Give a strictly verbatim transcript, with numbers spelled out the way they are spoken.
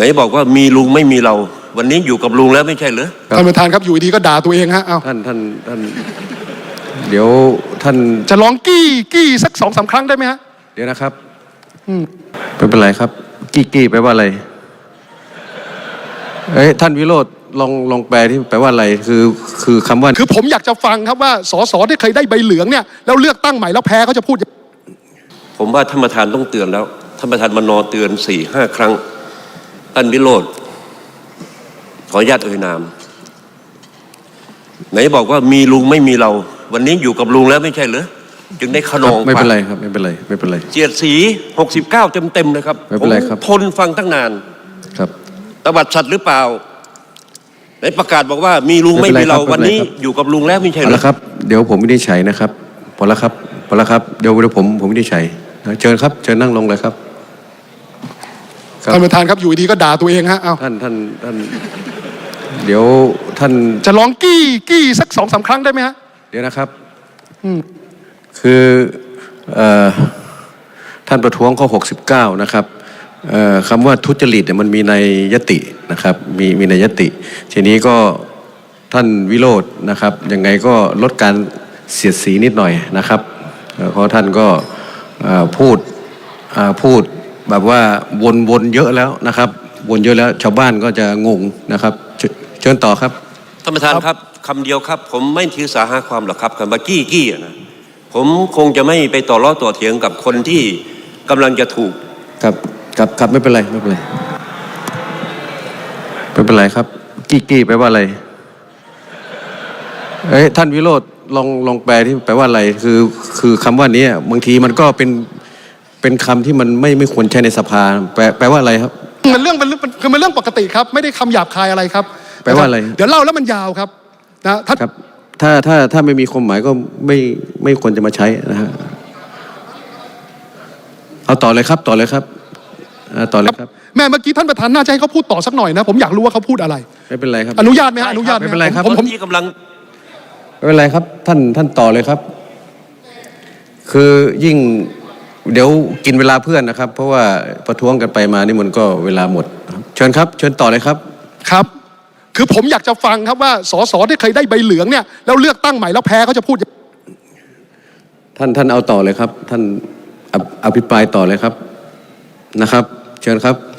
นบอกว่ามีลุงไม่มีเราวันนี้อยู่กับลุงแล้วไม่ใช่เหรอท่านประธานครับอยู่ดีก็ด่าตัวเองฮะเอาท่านท่านท่านเดี๋ยวท่านจะร้องกี้กี้สักสองสามครั้งได้ไหมฮะเดี๋ยวนะครับอืมไม่เป็นไรครับกี้กี้แปลว่าอะไรเอ้ยท่านวิโรจน์ลองลองแปลที่แปลว่าอะไรคือคือคำว่าคือผมอยากจะฟังครับว่าสสที่เคยได้ใบเหลืองเนี่ยแล้วเลือกตั้งใหม่แล้วแพ้เขาจะพูดผมว่าท่านประธานต้องเตือนแล้วท่านประธานมนเตือนสี่ห้าครั้งท่านวิโรจน์ขออนุญาตเอ่ยนามไหนบอกว่ามีลุงไม่มีเราวันนี้อยู่กับลุงแล้วไม่ใช่เหรอจึงได้ขนองไม่เป็นไรครับไม่เป็นไรไม่เป็นไรเจียดสีหกสิบเก้าเต็มเต็มเลยครับไม่เป็นไรครับทนฟังตั้งนานครับตบัดสัตว์หรือเปล่าไหนประกาศบอกว่ามีลุงไม่มีเราวันนี้อยู่กับลุงแล้วไม่ใช่เหรอแล้วครับเดี๋ยวผมไม่ได้ใช้นะครับพอแล้วครับพอแล้วครับเดี๋ยวเดี๋ยวผมผมไม่ได้ใช้เชิญครับเชิญนั่งลงเลยครับท่านประธานครับอยู่ดีก็ด่าตัวเองฮะเอาท่านท่านท่านเดี๋ยวท่านจะร้องกี้กี้สักสองสามครั้งได้ไหมฮะเดี๋ยวนะครับอืมคือเอ่อท่านประท้วงข้อหกสิบเก้านะครับเอ่อคำว่าทุจริตเนี่ยมันมีในยตินะครับมีมีในยติทีนี้ก็ท่านวิโรจน์นะครับยังไงก็ลดการเสียดสีนิดหน่อยนะครับเพราะท่านก็พูดพูดแบบว่าวนๆเยอะแล้วนะครับวนเยอะแล้วชาวบ้านก็จะงงนะครับเชิญต่อครับท่านประธานครับคำเดียวครับผมไม่ถือสาหาความหรอกครับคำว่ากี้กี้นะผมคงจะไม่ไปต่อล้อต่อเถียงกับคนที่กำลังจะถูกครับครับครับไม่เป็นไรไม่เป็นไรไม่เป็นไรครับกี้กี้แปลว่าอะไรเอ้ยท่านวิโรจน์ลองลองแปลที่แปลว่าอะไรคือคือคำว่านี้บางทีมันก็เป็นเป็นคำที่มันไม่ไม่ควรใช้ในสภาแปลแปลว่าอะไรครับมันเรื่องมันคือมันเรื่องปกติครับไม่ได้คำหยาบคายอะไรครับแปลว่าอะไรเดี๋ยวเล่าแล้วมันยาวครับนะท่านครับถ้าถ้าถ้าไม่มีความหมายก็ไม่ไม่ควรจะมาใช้นะฮะเอาต่อเลยครับต่อเลยครับต่อเลยครับแม่เมื่อกี้ท่านประธานน่าจะให้เขาพูดต่อสักหน่อยนะผมอยากรู้ว่าเขาพูดอะไรไม่เป็นไรครับอนุญาตไหมฮะอนุญาตไม่เป็นไรครับผมที่กำลังไม่เป็นไรครับท่านท่านต่อเลยครับคือยิ่งเดี๋ยวกินเวลาเพื่อนนะครับเพราะว่าประท้วงกันไปมานี่มันก็เวลาหมดเชิญครับเชิญต่อเลยครับครับคือผมอยากจะฟังครับว่าสสที่เคยได้ใบเหลืองเนี่ยแล้วเลือกตั้งใหม่แล้วแพ้เขาจะพูดท่านท่านเอาต่อเลยครับท่านอภิปรายต่อเลยครับนะครับเชิญครับ